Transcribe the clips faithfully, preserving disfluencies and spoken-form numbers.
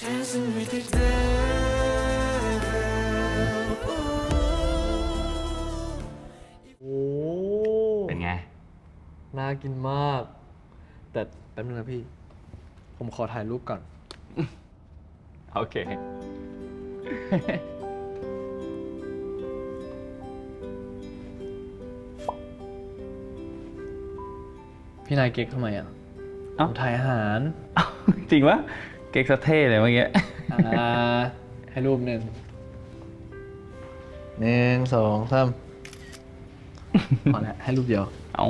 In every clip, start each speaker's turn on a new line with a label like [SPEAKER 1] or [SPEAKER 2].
[SPEAKER 1] โอ้
[SPEAKER 2] เป็นไง
[SPEAKER 1] น่ากินมาก แต่แป๊บนึงนะพี่ ผมขอถ่ายรูปก่อน
[SPEAKER 2] โอเค
[SPEAKER 1] พี่นายเก๊กทำไมอ่ะผ
[SPEAKER 2] เอ้า
[SPEAKER 1] มถ่ายอาหาร
[SPEAKER 2] จริงวะเก๊กสะเท่เลยเมื่อกี้
[SPEAKER 1] อ่า ให้รูปหนึ่งหนึ่งสองสามพอแล้วให้รูปเดียว
[SPEAKER 2] เอา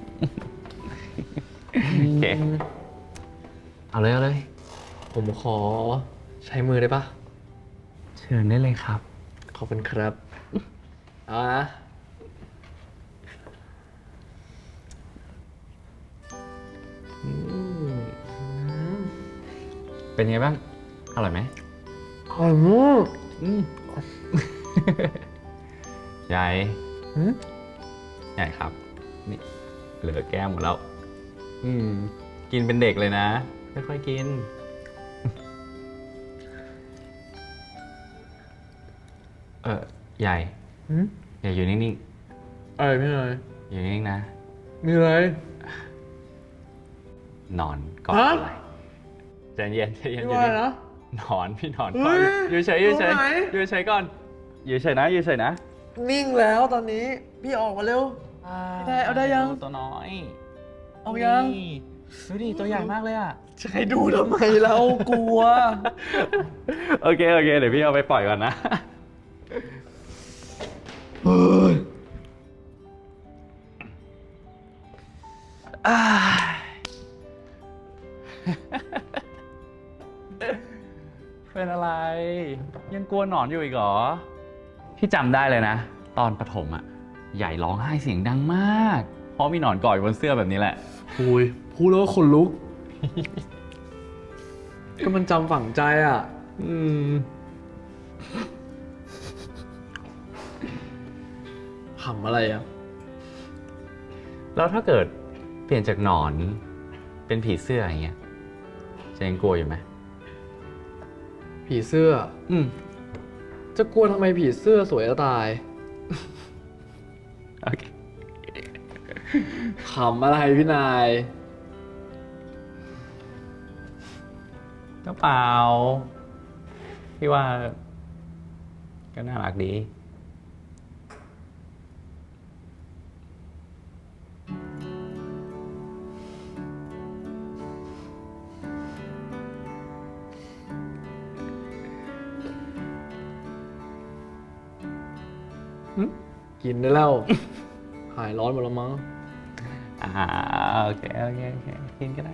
[SPEAKER 2] โอเค เอาเลยเอาเลย
[SPEAKER 1] ผมขอใช้มือได้ปะ
[SPEAKER 2] เชิญได้เลยครับ
[SPEAKER 1] ขอบคุณครับเอานะ
[SPEAKER 2] เป็นไงบ้าง อร่อยไหม
[SPEAKER 1] อร่อยมาก
[SPEAKER 2] อืม ใหญ่
[SPEAKER 1] อืม
[SPEAKER 2] ใหญ่ครับ นี่ เหลือแก้มหมดแล้ว อืม กินเป็นเด็กเลยนะ ค่อยๆกิน เออใหญ่
[SPEAKER 1] อืม
[SPEAKER 2] อย่าอยู่นิ่ง
[SPEAKER 1] อะไรพี่นาย
[SPEAKER 2] ๆ อยู่นิ่งๆนะ
[SPEAKER 1] มีอะไร
[SPEAKER 2] นอนก่อน
[SPEAKER 1] ฮะ
[SPEAKER 2] อะไรใจเย็นใจเย็น
[SPEAKER 1] พี่
[SPEAKER 2] อยู่
[SPEAKER 1] ว่า
[SPEAKER 2] นิ่ง
[SPEAKER 1] นะ
[SPEAKER 2] นอนพี่นอน
[SPEAKER 1] เฮ้
[SPEAKER 2] ก่อน
[SPEAKER 1] ย
[SPEAKER 2] อยู่เฉยอยู่เฉย
[SPEAKER 1] ตรงไหน
[SPEAKER 2] อยู่เฉยก่อน อยู่เฉยนะอยู่เฉยนะ
[SPEAKER 1] นิ่งแล้วตอนนี้ พี่ออกมาเร็ว ได้เอาได้ยัง
[SPEAKER 2] ตัวน้อย
[SPEAKER 1] เอายัง
[SPEAKER 2] นี่ดูดิตัวใหญ่มากเลยอ่ะ
[SPEAKER 1] จะให้ดูทำไมเรากลัว
[SPEAKER 2] โอเคโอเคเดี๋ยวพี่เอาไปปล่อยก่อนนะ
[SPEAKER 1] เฮ้ย
[SPEAKER 2] อ่าเป็นอะไร ยังกลัวหนอนอยู่อีกเหรอ พี่จำได้เลยนะ ตอนประถมอ่ะ ใหญ่ร้องไห้เสียงดังมาก เพราะมีหนอนเกาะอยู่บนเสื้อแบบนี้แหละ
[SPEAKER 1] โอ้ยพูดแล้วก็ขนลุก ก็มันจำฝังใจอ่ะ
[SPEAKER 2] อืม
[SPEAKER 1] ขำอะไรอ่ะ
[SPEAKER 2] แล้วถ้าเกิดเปลี่ยนจากหนอนเป็นผีเสื้ออย่างเงี้ยจะยังกลัวอยู่ไหม
[SPEAKER 1] ผีเสื้อ
[SPEAKER 2] อืม
[SPEAKER 1] จะกลัวทำไมผีเสื้อสวยจะตาย
[SPEAKER 2] โอเค
[SPEAKER 1] ขำอะไรพี่นาย
[SPEAKER 2] ก็เปล่า พี่ว่า ก็น่ารักดี
[SPEAKER 1] กินได้แล้ว หายร้อนหมดแล้วมั้ง
[SPEAKER 2] อ่าโอเคโอเคโอเคกินก็ได้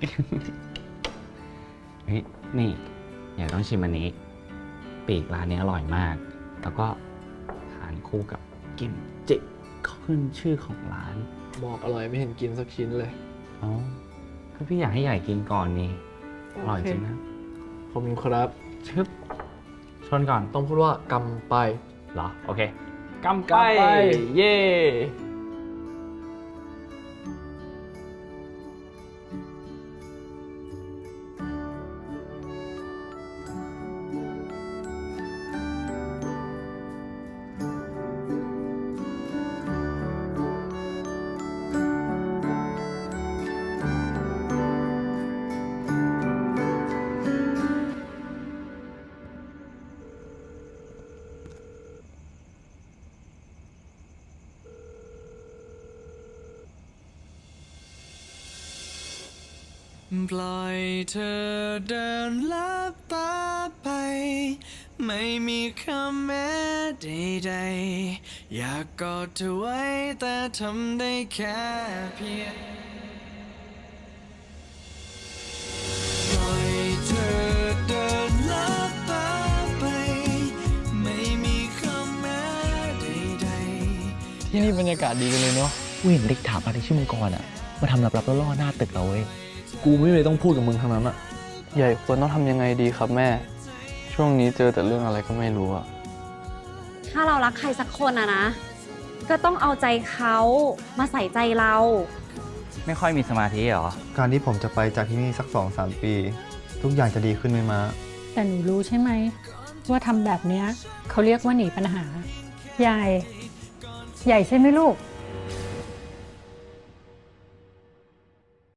[SPEAKER 2] เฮ้ยนี่อย่าต้องชิมอันนี้ ปีกร้านนี้อร่อยมาก แล้วก็ทานคู่กับกิมจิขึ้นชื่อของร้าน
[SPEAKER 1] บอกอร่อยไม่เห็นกินสักชิ้นเลย
[SPEAKER 2] อ๋อก็พี่อยากให้ใหญ่กินก่อนนี่อร่อยจริงนะ
[SPEAKER 1] ขอบคุณครับ
[SPEAKER 2] ชึบชนก่อน
[SPEAKER 1] ต้องพูดว่ากำไป
[SPEAKER 2] เหรอ โอเคกำไป
[SPEAKER 1] กำไป
[SPEAKER 2] เย่
[SPEAKER 3] ปล่อยเธอเดินลับตาไป ไม่มีคำแม้ใดๆอยากกอดเธอไว้แต่ทำได้แค่เพียงปล่อยเธอเดินลับตาไป ไม่มีคำแม้ใดๆ
[SPEAKER 1] ที่นี่บรรยากาศดีกันเลยเนาะ
[SPEAKER 4] กูเห็นเด็กถามอะไรชื่อมังกรอ่ะ มาทำลับๆล่อๆหน้าตึกเราเว้ย
[SPEAKER 1] กูไม่เลยต้องพูดกับมึงทั้งนั้นอะ
[SPEAKER 5] ใหญ่ควรต้องทำยังไงดีครับแม่ ช่วงนี้เจอแต่เรื่องอะไรก็ไม่รู้อะ
[SPEAKER 6] ถ้าเรารักใครสักคนอะนะ ก็ต้องเอาใจเขามาใส่ใจเรา
[SPEAKER 2] ไม่ค่อยมีสมาธิเหรอ
[SPEAKER 7] การที่ผมจะไปจากที่นี่สักสองสามปี ทุกอย่างจะดีขึ้นไหมมา
[SPEAKER 6] ไป
[SPEAKER 7] แต่หนูรู้ใช่ไหมว่าทำแบบเนี้ยเขาเรียกว่าหนีปัญหา ใหญ่ ใหญ่ใช่ไหมลูก